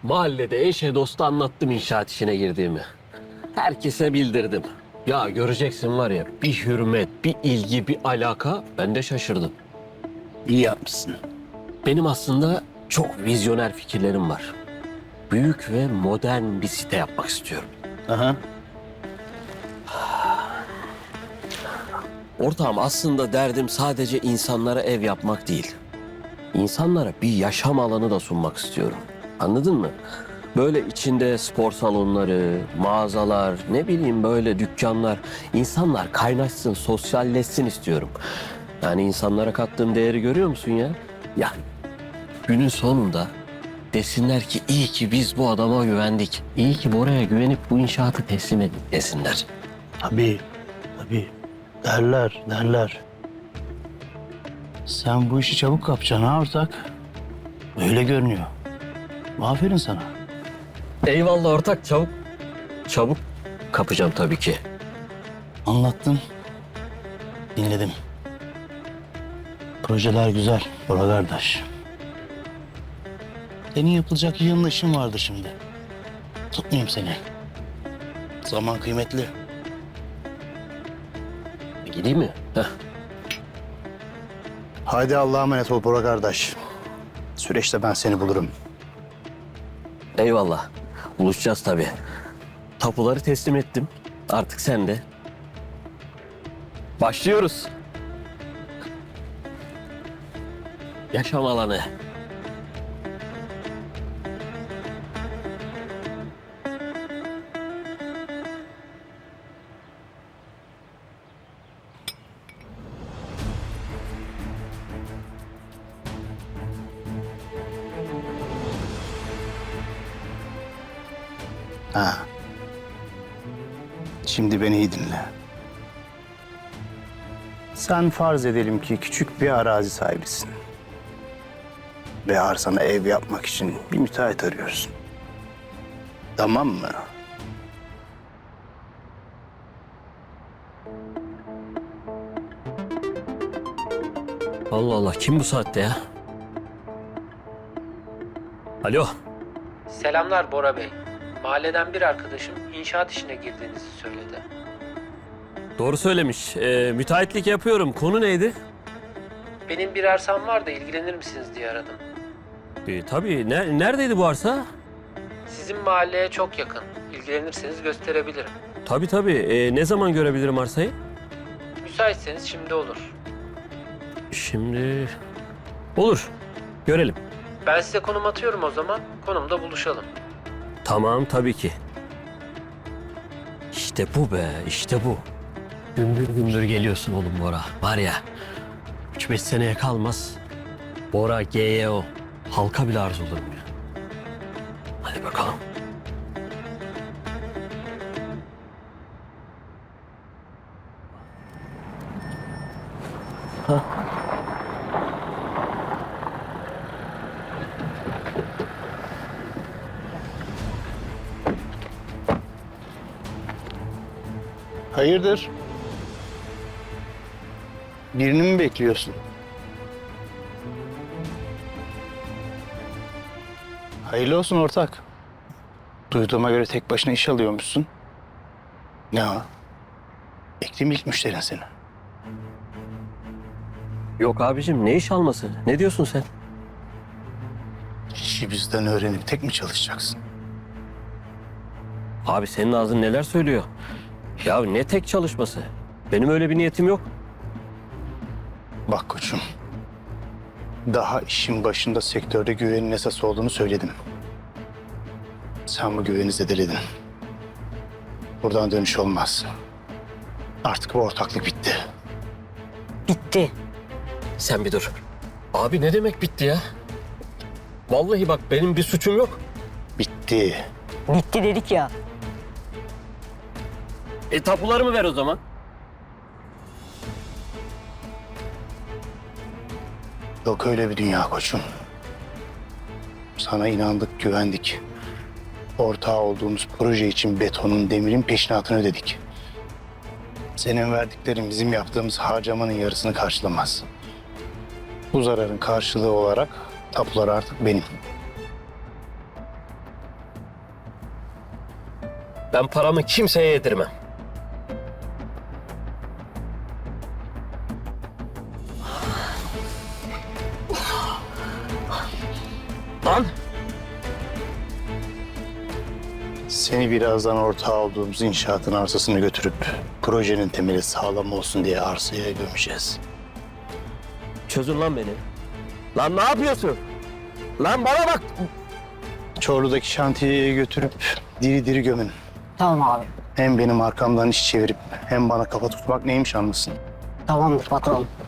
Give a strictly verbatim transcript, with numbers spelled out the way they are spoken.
Mahallede eşe dosta anlattım inşaat işine girdiğimi. Herkese bildirdim. Ya göreceksin var ya, bir hürmet, bir ilgi, bir alaka, ben de şaşırdım. İyi yapmışsın. Benim aslında çok vizyoner fikirlerim var. Büyük ve modern bir site yapmak istiyorum. Aha. Ortağım, aslında derdim sadece insanlara ev yapmak değil. İnsanlara bir yaşam alanı da sunmak istiyorum. Anladın mı? Böyle içinde spor salonları, mağazalar, ne bileyim böyle dükkanlar. İnsanlar kaynaşsın, sosyalleşsin istiyorum. Yani insanlara kattığım değeri görüyor musun ya? Ya günün sonunda desinler ki iyi ki biz bu adama güvendik. İyi ki Bora'ya güvenip bu inşaatı teslim ettik desinler. Tabii, tabii. Derler, derler. Sen bu işi çabuk kapacaksın ha ortak. Öyle görünüyor. Aferin sana. Eyvallah ortak, çabuk. Çabuk kapacağım tabii ki. Anlattın. Dinledim. Projeler güzel Bora kardeş. Senin yapılacak yığınla işin vardı şimdi. Tutmayayım seni. Zaman kıymetli. Gideyim mi? Heh. Haydi Allah'a emanet ol Bora kardeş. Süreçte ben seni bulurum. Eyvallah. Buluşacağız tabii. Tapuları teslim ettim. Artık sen de. Başlıyoruz. Yaşam alanı. Ha. Şimdi beni iyi dinle. Sen farz edelim ki küçük bir arazi sahibisin. Ve arsana ev yapmak için bir müteahhit arıyorsun. Tamam mı? Allah Allah, kim bu saatte ya? Alo. Selamlar Bora Bey. Mahalleden bir arkadaşım inşaat işine girdiğinizi söyledi. Doğru söylemiş. Ee, müteahhitlik yapıyorum. Konu neydi? Benim bir arsam var da ilgilenir misiniz diye aradım. Ee, tabii. Ne, neredeydi bu arsa? Sizin mahalleye çok yakın. İlgilenirseniz gösterebilirim. Tabii tabii. Ee, ne zaman görebilirim arsayı? Müsaitseniz şimdi olur. Şimdi... Olur. Görelim. Ben size konum atıyorum o zaman. Konumda buluşalım. Tamam, tabii ki. İşte bu be, işte bu. Gümbür gümbür geliyorsun oğlum Bora. Var ya, üç beş seneye kalmaz. Bora G Y O. Halka bile arz olurum ya. Hadi bakalım. Hayırdır? Birini mi bekliyorsun? Hayırlı olsun ortak. Duyduğuma göre tek başına iş alıyormuşsun. Ne o? Bekleyeyim ilk müşterin seni. Yok abicim, ne iş alması? Ne diyorsun sen? İşi bizden öğrenip tek mi çalışacaksın? Abi senin ağzın neler söylüyor? Ya ne tek çalışması? Benim öyle bir niyetim yok. Bak koçum. Daha işin başında sektörde güvenin esas olduğunu söyledim. Sen bu güveni zedeledin. Buradan dönüş olmaz. Artık bu ortaklık bitti. Bitti. Sen bir dur. Abi ne demek bitti ya? Vallahi bak, benim bir suçum yok. Bitti. Bitti dedik ya. E tapularımı ver o zaman. Yok öyle bir dünya koçum. Sana inandık, güvendik. Ortağı olduğumuz proje için betonun, demirin peşinatını ödedik. Senin verdiklerin bizim yaptığımız harcamanın yarısını karşılamaz. Bu zararın karşılığı olarak tapular artık benim. Ben paramı kimseye yedirmem. Lan! Seni birazdan ortağı olduğumuz inşaatın arsasını götürüp projenin temeli sağlam olsun diye arsaya gömeceğiz. Çözün lan beni. Lan ne yapıyorsun? Lan bana bak! Çorlu'daki şantiyeye götürüp diri diri gömün. Tamam abi. Hem benim arkamdan iş çevirip hem bana kafa tutmak neymiş anlasın. Tamamdır patron.